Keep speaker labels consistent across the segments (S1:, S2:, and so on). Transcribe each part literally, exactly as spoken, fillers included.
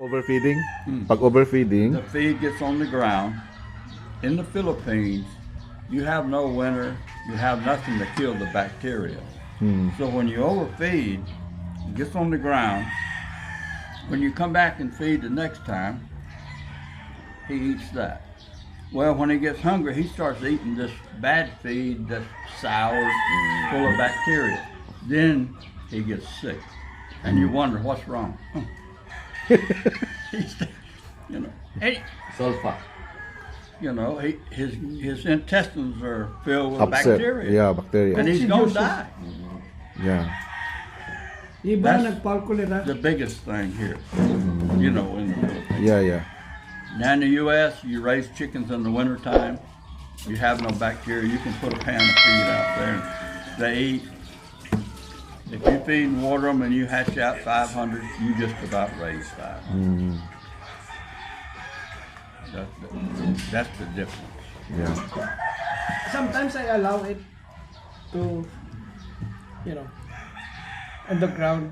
S1: Overfeeding?
S2: Hmm.
S1: Pag overfeeding,
S2: The feed gets on the ground. In the Philippines, you have no winter, you have nothing to kill the bacteria.
S1: hmm,
S2: So when you overfeed, it gets on the ground. When you come back and feed the next time, he eats that. Well, when he gets hungry, he starts eating this bad feed that's sour, full of bacteria. Then he gets sick, and you wonder what's wrong. He's, you know, he,
S3: Sulfa.
S2: you know, he, his his intestines are filled with
S1: upset.
S2: bacteria,
S1: Yeah, bacteria.
S2: and he's gonna
S4: Oxydosis.
S2: die.
S1: Yeah.
S4: Iba
S2: That's
S4: nagpalkulera.
S2: the biggest thing here, you know, in the Philippines.
S1: Yeah, yeah.
S2: Now in the U S, you raise chickens in the wintertime. You have no bacteria. You can put a pan of feed out there, and they eat. If you feed and water them and you hatch out five hundred, you just about raise five hundred.
S1: Mm,
S2: That's the, that's the difference.
S1: yeah.
S4: Sometimes I allow it to, you know, on the ground.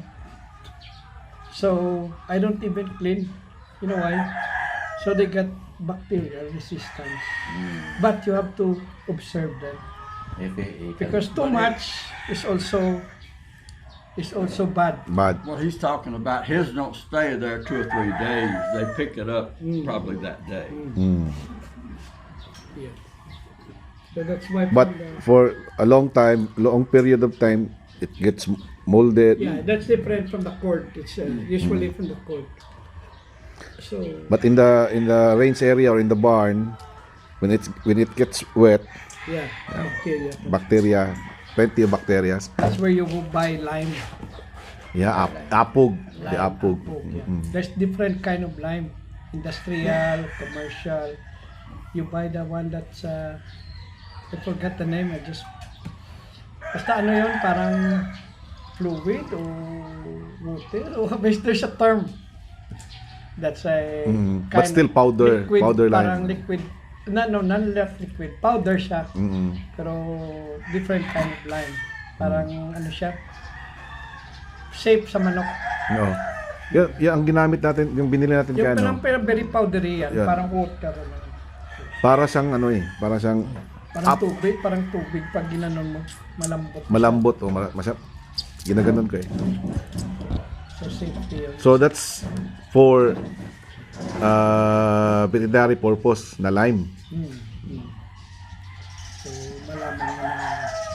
S4: So I don't even clean. You know why? So they get bacterial resistance. But you have to observe them
S3: If it, it
S4: because too much is also is also bad.
S1: Bad.
S2: What he's talking about, his don't stay there two or three days. They pick it up probably that day.
S1: Mm.
S4: Yeah. So that's why.
S1: But
S4: from the-
S1: for a long time, long period of time, it gets molded.
S4: yeah, that's different from the cord. It's uh, usually from the cord. So
S1: But in the in the range area or in the barn, when it's when it gets wet,
S4: yeah, bacteria.
S1: bacteria, plenty of bacteria.
S4: That's where you go buy lime.
S1: Yeah, ap apog, the
S4: Lime,
S1: apog.
S4: apog, yeah.
S1: Mm.
S4: There's different kind of lime. Industrial, commercial. You buy the one that's uh, I forgot the name. I just basta ano yun, parang fluid o water o there's a term. That's a
S1: Mm,
S4: kind
S1: but still powder-
S4: liquid,
S1: powder lime.
S4: parang liquid. No, no, not liquid. Powder siya.
S1: Mm.
S4: Pero different kind of lime. Parang ano siya, safe sa manok.
S1: No. Yeah, yeah, ang ginamit natin, yung binili natin
S4: Yung
S1: kaya
S4: parang
S1: ano,
S4: pero very powdery yan.
S1: Yan.
S4: Parang water. Ano.
S1: para siyang ano eh, para siyang
S4: Parang
S1: Up.
S4: tubig. Parang tubig pag ginanon mo. Malambot.
S1: malambot o ma- masya, ginaganon ko eh.
S4: So safety yun.
S1: So that's for uh, veterinary purpose na lime.
S4: Hmm. Hmm. So malaman mo na.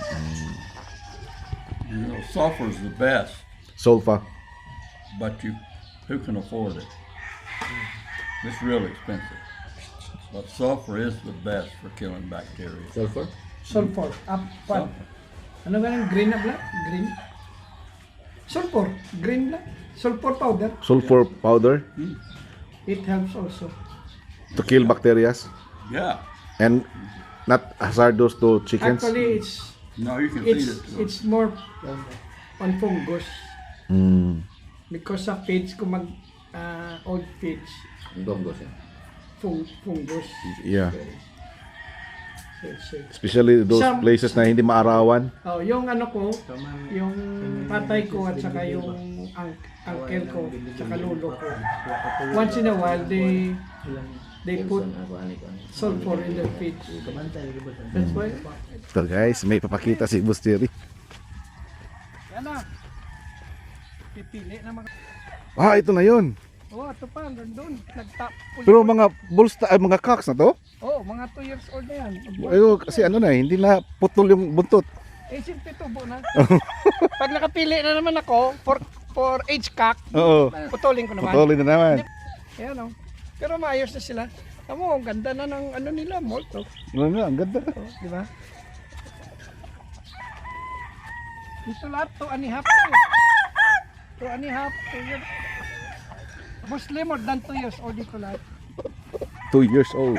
S2: You know, sulfur is the best,
S1: Sulfa.
S2: but you who can afford it? It's real expensive. But sulfur is the best for killing bacteria.
S3: sulfur.
S4: Sulfur. Up. What?
S2: Sulfur.
S4: Ano ganun? Green na black? Green? Sulfur. Green black? Sulfur powder.
S1: Sulfur powder
S4: It helps also.
S1: to kill bacteria
S2: Yeah.
S1: and not hazardous to chickens.
S4: Actually, it's
S2: No, you can feed
S4: it's
S2: it to them.
S4: it's more on fungus
S1: Mm.
S4: because sa feeds kung mag ah, old feeds
S3: Ang gonggos yan.
S4: fung, fungus.
S1: Yeah.
S4: So, it's, uh,
S1: Especially those
S4: Some-
S1: places na hindi maarawan.
S4: oh, yung ano ko, yung tatay ko at saka yung ang uncle ko, saka lolo ko. Once in a while, they they put sulfur in their feeds. That's why.
S1: So guys, may papakita si Boss Jerry.
S4: Yan na. Pipili na mga...
S1: Ah, ito na yun.
S4: Oh, ito pa, doon. Nagtap.
S1: Pero mga bulls, ay, mga cocks na to?
S4: Oh, mga two years old na yan.
S1: Ayo, kasi ano na, eh, hindi na putol yung buntot.
S4: Eh, simple tubo na. Pag nakapili na naman ako for for age cock,
S1: Oo,
S4: putulin ko naman.
S1: putulin na naman.
S4: Ayan oh. Pero maayos na sila. Tamo, ang ganda na ng ano nila, molt. Oh,
S1: Ano na, ang ganda.
S4: di ba? Ito lahat, two and a half to. Two and a half, two years. Mostly more than two years old ito lahat.
S1: Two years old.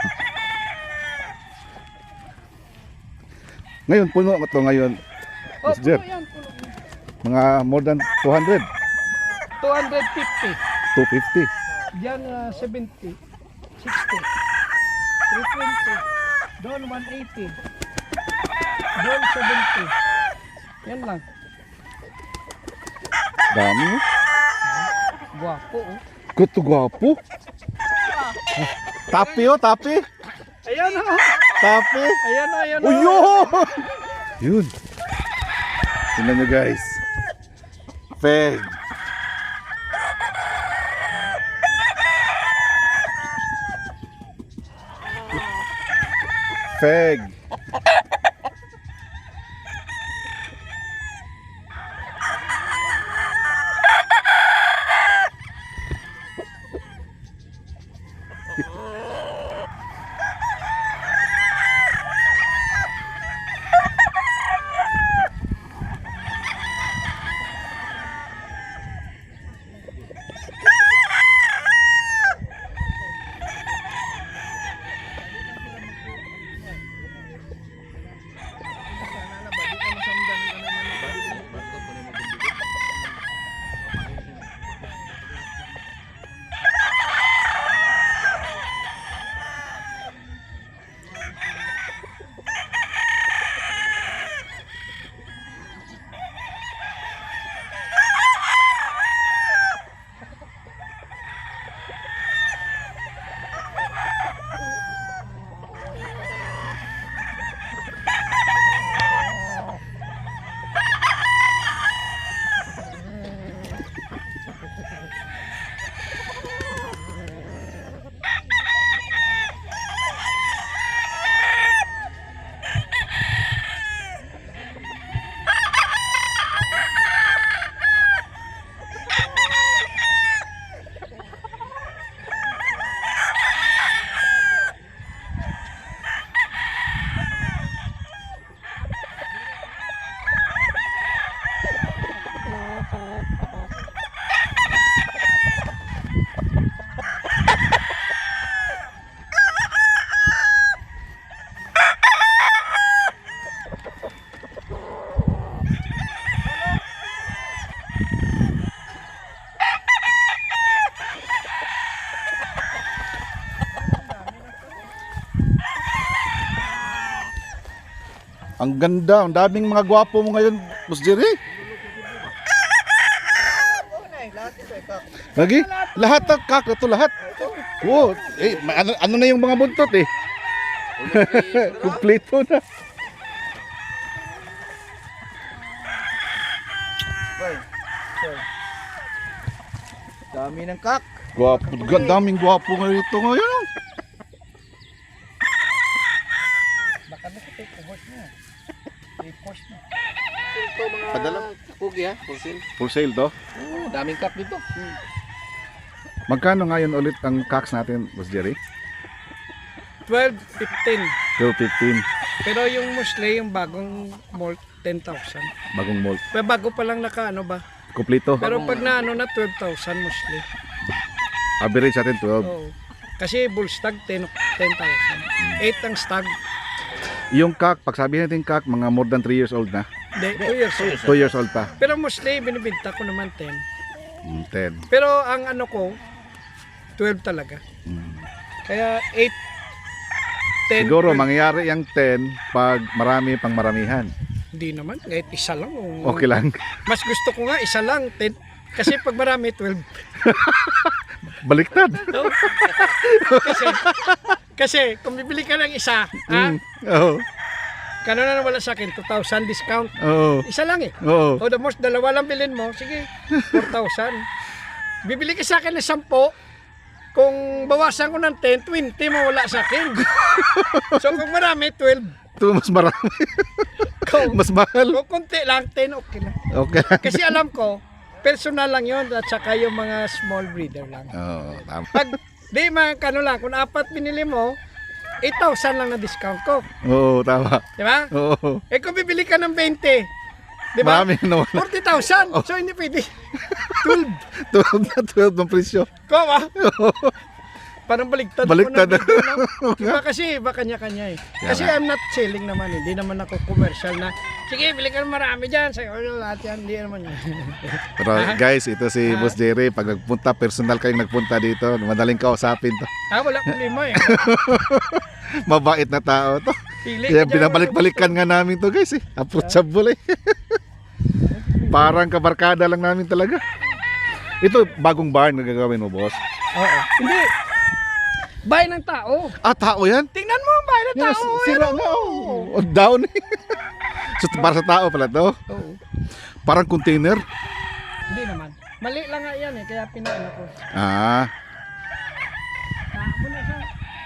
S1: Ngayon, puno ko to ngayon.
S4: Oh,
S1: Boss Jer,
S4: puno yan, puno.
S1: mga more than two hundred.
S4: two hundred fifty.
S1: two fifty.
S4: Diyan uh, seventy. sixty. three twenty. Doon one eighty. Doon seventy. Yan lang.
S1: Dami.
S4: Guwapo oh.
S1: Kuto gwapo. Tapi oh, tapi.
S4: Ayan o.
S1: Tapi.
S4: Ayan o, ayan o.
S1: Uyo! Yun. Tingnan nyo guys. Feg. Feg. Ang ganda, ang daming mga gwapo mo ngayon, Boss Jerry. Lagi? Lahat ng kak, ito lahat. Oo, eh, ma- ano, ano na yung mga buntot eh. Kumpleto na.
S5: Dami ng kak.
S1: Gwapo, ga- daming gwapo ngayon ito ngayon.
S4: Baka nakatake ko horse niya. Report na.
S3: Ito mga
S1: Padala.
S3: kugi ha, full sale.
S1: Full sale to.
S3: Oh, daming cup dito.
S1: Magkano ngayon ulit ang cocks natin, Boss Jerry?
S4: twelve, fifteen.
S1: twelve fifteen,
S4: Pero yung musli, yung bagong malt, ten thousand.
S1: bagong malt.
S4: Pero bago pa lang naka ano ba?
S1: Kompleto.
S4: Pero pag na ano na twelve thousand musli.
S1: Average natin twelve.
S4: Oo. Kasi bull stag ten thousand. eight ang stag.
S1: Yung cock, pag sabihin natin cock, mga more than three years old na.
S4: Hindi, two years old.
S1: two years old pa.
S4: Pero musli, binibinta ko naman ten.
S1: Mm, ten.
S4: Pero ang ano ko, twelve talaga.
S1: Mm.
S4: Kaya eight, ten.
S1: Siguro
S4: twelve.
S1: mangyayari yung ten pag marami pang maramihan.
S4: Hindi naman, kahit isa lang. oh.
S1: Okay lang.
S4: Mas gusto ko nga isa lang, ten. Kasi pag marami, twelve.
S1: Baliktad.
S4: No? kasi, kasi kung bibili ka ng isa, ha?
S1: Mm. Oo.
S4: Kano na wala sa akin, two thousand discount.
S1: Oo.
S4: Isa lang eh.
S1: Oo.
S4: O the most, dalawa lang bilhin mo, sige, four thousand. Bibili ka sa akin ng sampo, kung bawasan ko ng ten, twenty mawala sa akin. So kung marami, twelve.
S1: Ito mas marami.
S4: Kung,
S1: Mas mahal.
S4: kung konti lang, ten, okay lang.
S1: Okay lang.
S4: Kasi alam ko, personal lang yun at saka yung mga small breeder lang.
S1: Oo, tama.
S4: Pag, di mga kano lang, kung apat binili mo, eight thousand lang na discount ko.
S1: Oo, tama.
S4: Di ba?
S1: Oo.
S4: Eh kung bibili ka ng twenty, di ba?
S1: Marami na wala.
S4: forty thousand. So hindi pwede. twelve.
S1: twelve na twelve ng presyo.
S4: Ko ba? Parang baliktad. ko
S1: Baliktad.
S4: na dito, no? Iba kasi, iba kanya-kanya eh. Kasi
S1: Yan.
S4: I'm not selling naman, hindi naman ako commercial na, sige, bili ka ng marami dyan, sa'yo lahat yan, hindi naman yun.
S1: Pero guys, ito si Boss Jerry. Pag nagpunta, personal kayong nagpunta dito, madaling kausapin to.
S4: ah, wala problema eh.
S1: Mabait na tao to.
S4: Pili
S1: Kaya
S4: ka dyan,
S1: binabalik-balikan nga namin to guys eh. Approachable eh. Parang kabarkada lang namin talaga. Ito, bagong barn na gagawin mo, boss.
S4: Oo. Hindi. Bahay ng tao.
S1: Ah, tao yan?
S4: Tingnan mo, bahay ng
S1: Yan,
S4: tao.
S1: sira
S4: Yan,
S1: na.
S4: oh.
S1: Oh, down eh. So, para sa tao pala to.
S4: Oo.
S1: Parang container.
S4: Hindi naman. Mali lang nga yan eh, kaya pinaano ko.
S1: Ah,
S4: Tapo na siya.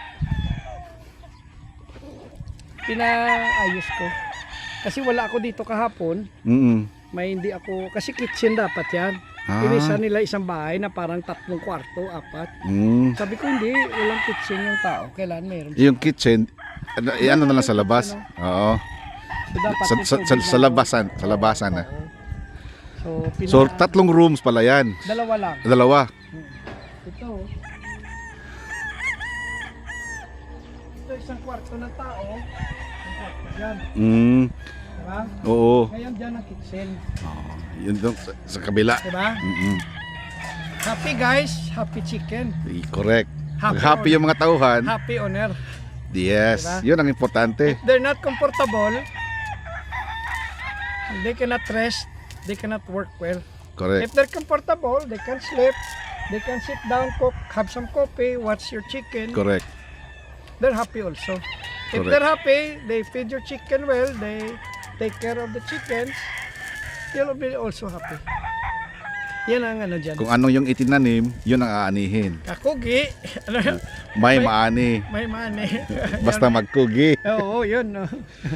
S4: Pinaayos ko. Kasi wala ako dito kahapon.
S1: mm
S4: May hindi ako, kasi kitchen dapat yan.
S1: Ah.
S4: Pinisa nila isang bahay na parang tatlong kwarto, apat.
S1: mm.
S4: Sabi ko hindi, walang kitchen yung tao. Kailan meron.
S1: Yung kitchen, ano, ano na lang sa labas. Oo.
S4: So, dapat
S1: Sa,
S4: may
S1: sa, sa,
S4: tubig
S1: sa
S4: na-
S1: labasan, sa labasan na.
S4: Oo. So, pina,
S1: So, tatlong rooms pala yan.
S4: dalawa lang.
S1: Dalawa.
S4: Ito. Ito isang kwarto ng tao. Isang kwarto dyan.
S1: Mm.
S4: Diba?
S1: Oo.
S4: Ngayon dyan ang kitchen.
S1: Yun doon sa, sa kabila.
S4: Diba?
S1: Mm-mm.
S4: Happy guys, happy chicken.
S1: Eh, Correct.
S4: Happy
S1: Pag happy yung mga tauhan,
S4: Happy owner.
S1: yes,
S4: Diba?
S1: yun ang importante.
S4: If they're not comfortable, they cannot rest, they cannot work well.
S1: Correct.
S4: If they're comfortable, they can sleep, they can sit down, cook, have some coffee, watch your chicken.
S1: Correct.
S4: They're happy also. If
S1: Correct.
S4: they're happy, they feed your chicken well, they take care of the chickens, you'll be also happy. Yan ang ano dyan.
S1: Kung ano yung itinanim, yun ang aanihin.
S4: Kakugi. Ano yun?
S1: May
S4: May-
S1: maani.
S4: May money.
S1: Basta magkugi.
S4: Oo, yun. No.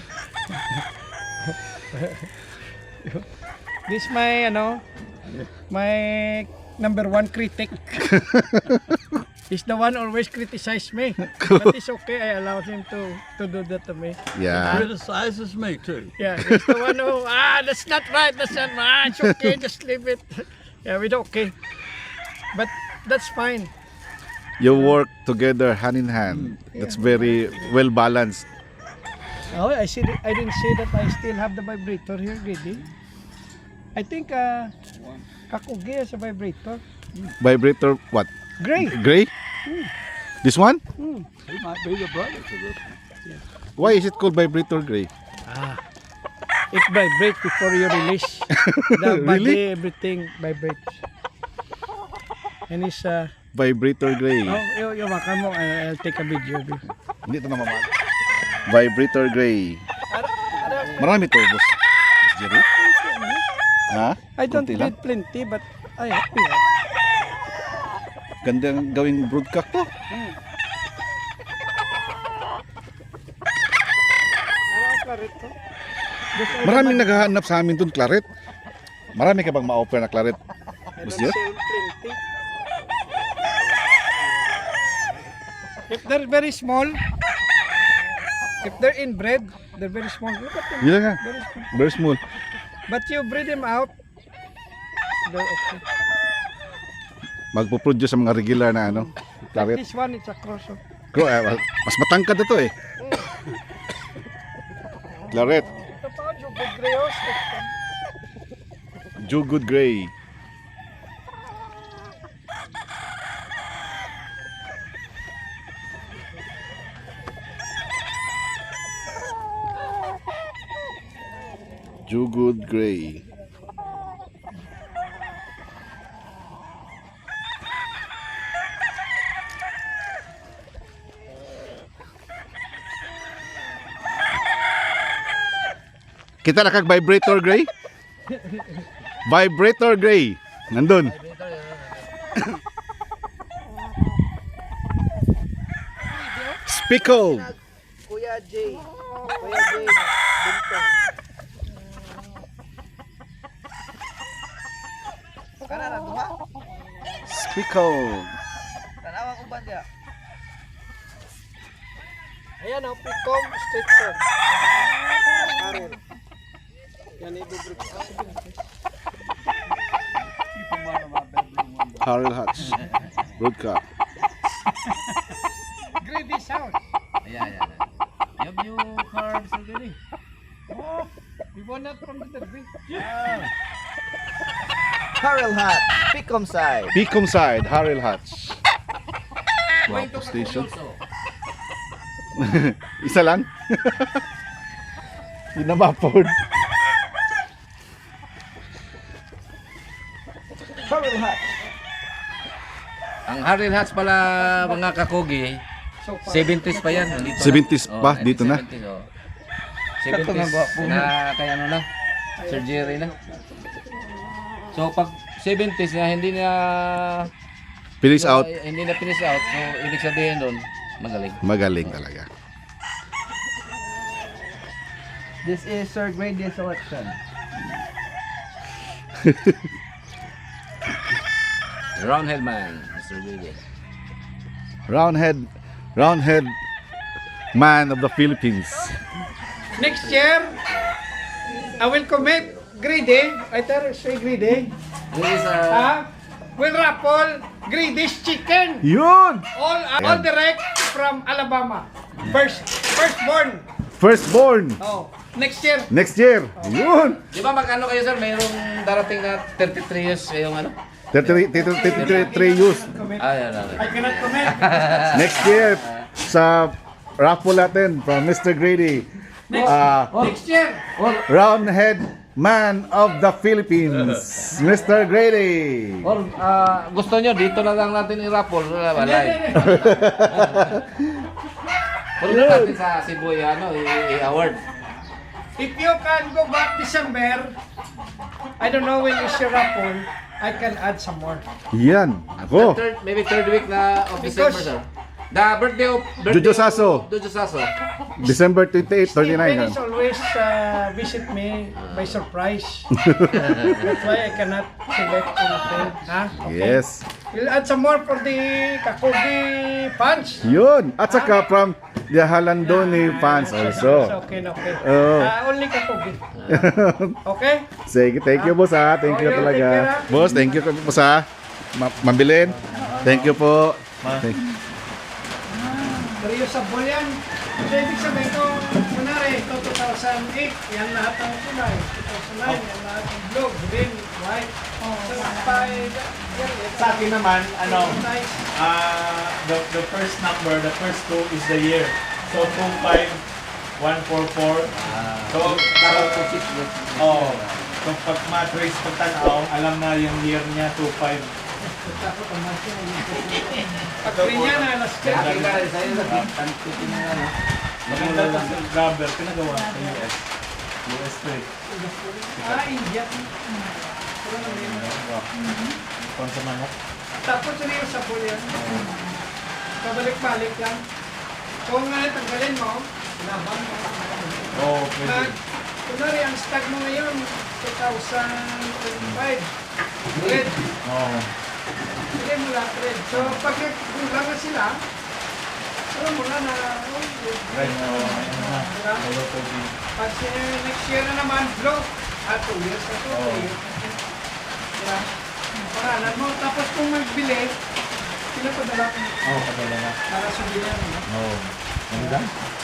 S4: This my ano, my number one critic. He's the one always criticize me. But it's okay, I allow him to to do that to me.
S1: Yeah.
S2: Criticizes me too.
S4: Yeah, he's the one who, ah, that's not right, that's not right, it's okay, just leave it. Yeah, we do okay. But that's fine.
S1: You work together hand in hand. That's very well balanced.
S4: Oh, I see. I didn't see that I still have the vibrator here, Gidi. I think uh, Kakugi has a vibrator.
S1: Vibrator what?
S4: Gray.
S1: Gray? This one?
S4: Hmm.
S2: He might be the brother to this.
S1: Why is it called vibrator gray?
S4: Ah, it vibrates before you release. The body,
S1: Really?
S4: everything vibrates. And it's uh,
S1: Vibrator gray.
S4: oh, you, you makan mo. I- I'll take a video. of it.
S1: Hindi ito na mamahal. Vibrator gray. Marami to, boss. Boss Jerry? Ha?
S4: I don't
S1: Konti lang?
S4: need plenty, but I happy. ah.
S1: Ganda ng gawing broadcast to.
S4: Ano ang claret to? Gusto ko
S1: Maraming
S4: naman-
S1: naghahanap sa amin dun, claret. Marami ka bang ma-offer na claret?
S4: I
S1: Boss
S4: don't
S1: Jer?
S4: sell plenty. If they're very small, if they're inbred, they're very small. Look at them.
S1: Yun lang nga.
S4: Very small.
S1: Very small.
S4: But you breed them out, they're okay.
S1: Magpo-produce sa mga regular na ano,
S4: Like
S1: claret.
S4: this one, it's a cross. Oh.
S1: Bro, eh, mas matangkad na to eh. Claret.
S4: Ito pa, Jugod Greos.
S1: Jugud Gray. Jugud Gray. Kita na kag vibrator gray? Vibrator gray. Nandun. Spickled.
S5: Kuya Jay. Kuya Jay. Bintong. Kana na duha?
S1: Spickled.
S5: Tanawang uban dia.
S4: Ayan ang Picom Street Food. Karen. Yan i-dubrik.
S2: Keep him out of my bedroom window.
S1: Harold Hutch. Broadcast.
S4: Greedy sound.
S3: Ayan, ayan. Yung new carbs na gani.
S4: Oh, we want that from the derby.
S5: Harold Hat. Picom side.
S1: Picom side, Harold Hutch. Wow, station. Isa lang? Hindi na ma-afford.
S5: Harold Hat.
S3: Ang Harley Hats pala mga kakugi,
S4: So far.
S3: seventies pa yan. Dito
S1: seventies
S3: na.
S1: pa,
S3: Oh,
S1: dito na?
S3: seventies, oh. seventies na kaya ano na, surgery na. So pag seventies na hindi na
S1: Finish
S3: so,
S1: out.
S3: eh, hindi na finish out. So ibig sabihin doon, magaling.
S1: Magaling talaga.
S5: This is Sir Grady selection.
S3: Roundhead man, Mister Willie.
S1: Roundhead, roundhead man of the Philippines.
S4: Next year, I will commit Greedy. I tell you, say Greedy.
S3: This is a
S4: Ah, will raffle Greedy's chicken.
S1: Yun!
S4: All all direct from Alabama. First firstborn.
S1: Firstborn.
S4: Oh, next year.
S1: Next year. Yun!
S3: Di ba magkano kayo sir? Mayroong darating na thirty-three years yung ano?
S1: thirty-three years.
S3: Ah, yan, yan, yan.
S4: I cannot comment.
S1: Next year, sa raffle natin from Mister Grady. Ah,
S4: Next year.
S1: roundhead man of the Philippines, Mister Grady.
S3: Or ah, gusto nyo, dito na lang natin i-raffle. Wala ba? Live. Puro na natin sa Cebu yung ano, i- i-award.
S4: If you can go back December, I don't know when is your raffle, I can add some more.
S1: Yan. Ako.
S3: Third, maybe third week na of
S4: Because-
S3: December, sir. The birthday of... Birthday
S1: Jojo Sasso.
S3: of Jojo Sasso.
S1: December twenty-eight,
S4: Steve
S1: thirty-nine.
S4: Pennis always uh, visit me by surprise. That's why I cannot select anything. Ha? Okay.
S1: Yes.
S4: We'll add some more for the Kakugi punch.
S1: Yun. At saka from the Halandoni fans also.
S4: Okay, okay.
S1: Oo.
S4: Ah, only Kakugi. Okay?
S1: Sige, thank you boss ha. Thank you
S4: Okay,
S1: talaga.
S4: take care, ha.
S1: Boss, thank you boss ha. Ma mabilin. Thank you po. Thank-
S4: Reusable yan. So, ibig sabihin ko, kunwari, ito two thousand eight, yan lahat ng kulay. two thousand nine, yan lahat ng blue, green, white. So, five, yan, yan.
S6: Sa akin naman, ano,
S4: Nice.
S6: ah the, the first number, the first two is the year. So, two five one four four. So, oh, so pag matrace pagtanaw, alam na yung year niya, two five.
S4: Pag green yan, alas ka.
S3: Happy ka rin sa'yo. Tantikin na ano.
S6: Maganda ito sa rubber, pinagawa sa U S. U S to eh.
S4: Ah, India. Pero naman yun.
S6: Kung sa manok.
S4: Tapos reusable yan. Pabalik-balik lang. Kung nga tanggalin mo, laban mo.
S6: Oo,
S4: Mag,
S6: pwede.
S4: kunwari, ang stock mo ngayon, two thousand twenty-five. Red.
S6: Oo.
S4: Hindi mo lahat red. So, pag nagkulang na sila, alam mo na na, oh,
S6: Right, oo. Ayun na.
S4: Diba?
S6: Hello, pwede.
S4: Pag eh, next year na naman, blue. Ah, two years na to.
S6: Oo.
S4: three years na to. Diba? Pangalan mo. Tapos kung magbili, pinapadala ko
S6: Oo, padala na.
S4: para sa bilan. No?
S6: Oo. Ganda?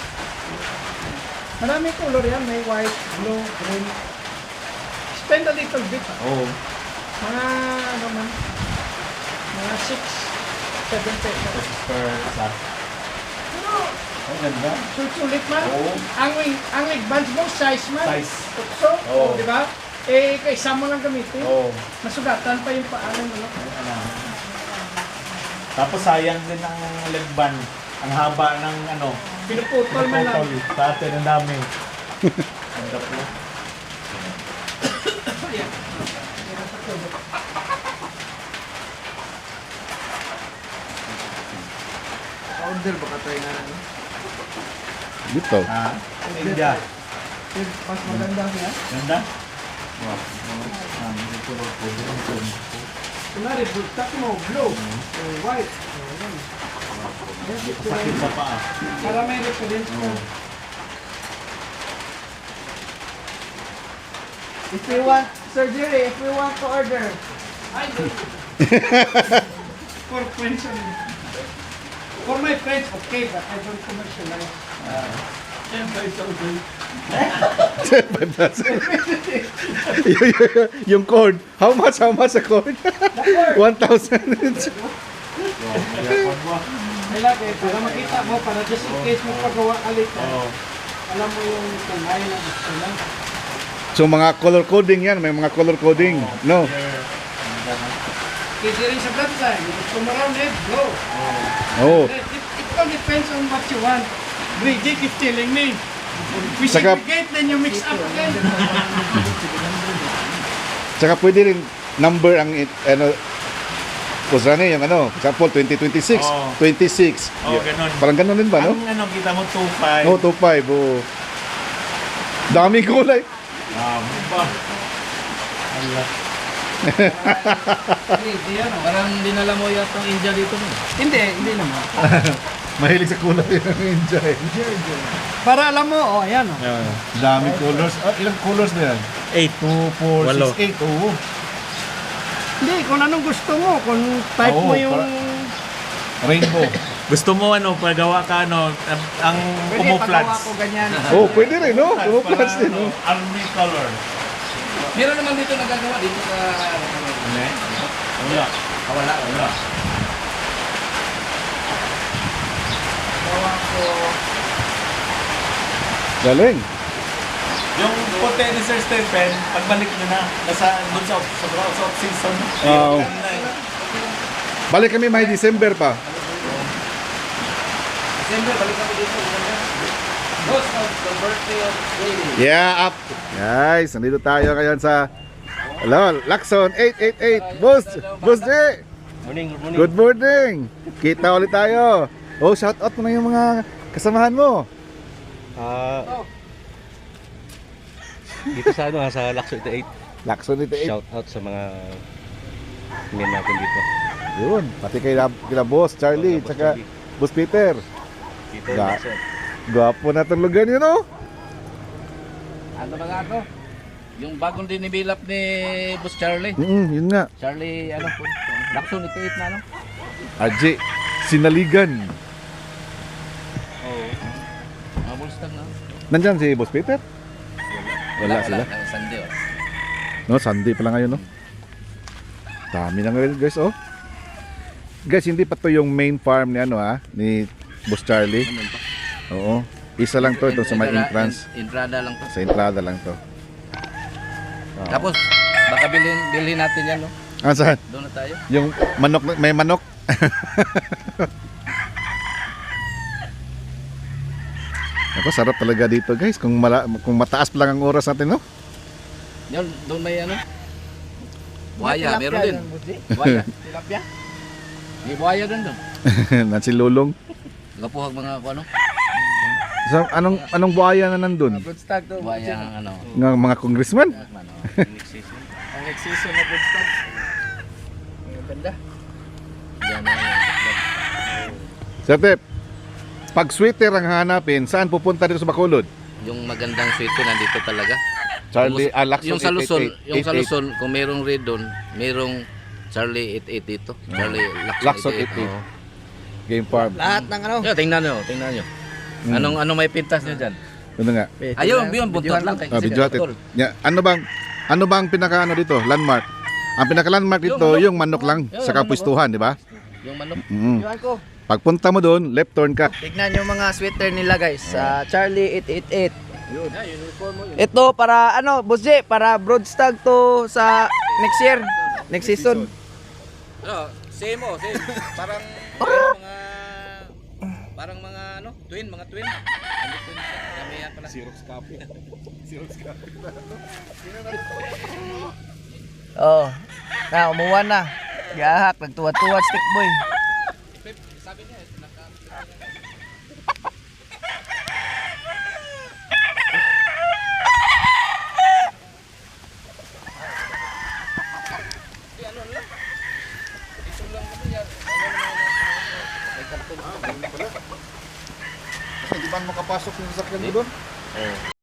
S4: Marami color yan. May white, blue, green. Spend a little bit. ah.
S6: Oo.
S4: Mga, ano man, mga six, seven pesos.
S6: This is per sa.
S4: Pero,
S6: Oh, ganda.
S4: sulit man.
S6: Oo.
S4: Ang wing, ang wing bands mo, size man.
S6: Size.
S4: Tukso,
S6: Oo.
S4: di ba? Eh, kaysa mo lang gamitin.
S6: Oo.
S4: Masugatan pa yung paanan mo. No?
S6: Ano. Tapos sayang din ang leg band. Ang haba ng ano.
S4: Pinuputol man lang.
S6: Pinuputol. Sa atin, ang dami. Ang daplo.
S4: Yan.
S5: Order baka tayo na ano.
S1: Dito.
S6: Ah, India.
S5: Mas maganda niya.
S6: Ganda? Wow. Ah, dito ba po? Dito.
S4: Kunwari, bultak mo, blue, or white. Oh, yan. Yan, ito
S6: Sakit
S4: yan.
S6: sa paa.
S4: Para may reference mo.
S5: If we want, Sir Jerry, if we want to order,
S4: Ay, no. For friends only. For my friends, okay, but I don't commercialize.
S1: Y- y- yung cord. How much? How much a cord? one thousand.
S4: Kailangan eh, para makita mo, para just in case mo pagawa alit ka,
S6: Oo.
S4: alam mo yung kanay na gusto lang.
S1: So mga color coding yan. May mga color coding. No?
S4: Pwede rin sa bloodline. Gusto mo rounded, go.
S1: Oh.
S4: It, it, it all depends on what you want. Brigade keep telling me. We
S1: Saka-
S4: segregate, then you mix up again.
S1: Tsaka pwede rin number ang it- ano kusane yung ano, example twenty twenty-six,
S6: Oo.
S1: twenty-six.
S6: Oo, ganun.
S1: Parang ganun din ba, no?
S6: Ang ano, kita mo two five.
S1: No, two five. Oh. Daming kulay.
S6: Ah, ba?
S4: Hindi, ano.
S3: Parang dinala mo yata ang India dito mo.
S4: Hindi, hindi naman.
S1: Mahilig sa kulay ng enjoy.
S4: Para alam mo, oh, ayan, oh.
S1: Daming colors. Ah, ilang colors na yan?
S6: Eight.
S1: two, four,
S6: Walo.
S1: six, eight. Oo.
S4: Hindi, kung anong gusto mo, kung type
S1: Oo,
S4: mo yung...
S1: para- Rainbow.
S6: Gusto mo ano, pagawa ka ano, ang, ang
S4: Pwede, pagawa
S6: camouflage.
S4: ko ganyan.
S1: Oh, pwede rin, no? Camouflage din, no?
S6: Army color.
S3: Meron naman dito nagagawa dito sa...
S6: Ano? Wala.
S3: Ah, wala, wala.
S4: Gawa ko...
S1: Galing.
S6: Yung puti ni Sir Stephen, pagbalik nyo na, nasa doon sa, sa, sa off-season.
S1: Oo.
S6: Ayun, na eh.
S1: Balik kami may December pa.
S3: December, balik kami dito. Ghost of the birthday of Lady.
S1: Yeah, up. Guys, nandito tayo ngayon sa Hello, Lacson eight eight eight. Boss, Boss J.
S3: Morning, good morning.
S1: Good morning. Kita ulit tayo. Oh, shout out mo na yung mga kasamahan mo.
S7: Ah, dito sa ano, sa Lacson eight,
S1: Lacson eight eight.
S7: shout out sa mga tingin natin dito.
S1: Yun, pati kay kila Boss Charlie,
S7: Boss
S1: tsaka
S7: Charlie.
S1: Boss Peter.
S7: Dito
S1: Ga-
S7: Lacson.
S1: Gwapo na itong lugar yun, oh.
S3: Ano ba nga to? Yung bagong dinibilap ni Boss Charlie.
S1: Mm, yun nga.
S3: Charlie, ano po? Lakson, ito na, ano?
S1: R J, Sinaligan.
S3: Oo. Mga bulstag na.
S1: Nandyan si Boss Peter? Wala sila.
S3: Wala, Sunday, oh.
S1: No, Sunday pa lang ngayon, no? Dami na ngayon, guys, oh. Guys, hindi pa to yung main farm ni ano, ha? Ni Boss Charlie.
S3: Ano pa?
S1: Oo. Isa lang to, ito sa may
S3: Entrada-
S1: entrance.
S3: en- Entrada lang to.
S1: Sa entrada lang to. Oo.
S3: Tapos, baka bilhin, bilhin natin yan, no?
S1: Ah, saan?
S3: Doon na tayo.
S1: Yung manok, na- may manok. Ako, sarap talaga dito, guys. Kung, mala, kung mataas pa lang ang oras natin, no?
S3: Yan, doon may ano? Buhaya,
S4: Tilapia
S3: meron din.
S4: yan, Boss J.
S3: Buhaya.
S4: Tilapia?
S3: May buhaya din doon.
S1: Nansi Lulong.
S3: Gapuhag mga ano?
S1: So, anong anong buhaya na nandun?
S4: Broodstag to.
S3: Buhaya ang ano.
S1: Ng mga congressman?
S3: ano.
S4: Ang next season na broodstag. Ang ganda.
S3: Yan na yan.
S1: Sir Tep, pag sweater ang hanapin, saan pupunta dito sa Bacolod?
S3: Yung magandang sweeter nandito talaga.
S1: Charlie,
S3: Yung-
S1: ah, Lacson
S3: yung sa Luzon,
S1: eight eight eight,
S3: yung sa
S1: eight eight.
S3: Luzon, kung merong red doon, merong Charlie eight eight dito. Charlie
S1: Lacson
S3: Lacson
S1: eight eight.
S3: eight eight. oo.
S1: Game Farm.
S4: Lahat ng ano.
S3: Yeah, tingnan nyo, tingnan nyo.
S1: Mm.
S3: Anong anong may pintas nyo dyan?
S1: Ano nga?
S3: Ayun, yun, buntot lang.
S1: Ah, video natin. Yeah, ano bang ano bang pinaka ano dito? Landmark. Ang pinaka landmark
S3: Yung
S1: dito,
S3: manok.
S1: yung manok lang
S3: Yung
S1: sa
S3: manok,
S1: kapustuhan, di ba?
S3: Yung manok.
S1: Mm.
S5: Iwan ko.
S1: Pagpunta mo doon, left turn ka.
S5: Tignan yung mga sweater nila guys. Sa Charlie eight eight eight. Ito para ano, Boss J, para broadstag to sa next year. Next season.
S3: No, same oh, same. Parang mga parang mga ano, twin, mga twin. Ano twin siya? Kami yan pala. Xerox copy. Xerox copy.
S5: Oh. Na, umuwan na. Gahak, nagtuwa-tuwa stick boy.
S3: Sabi niya, naka
S1: Kasi di ba makapasok yung sasakyan mo doon?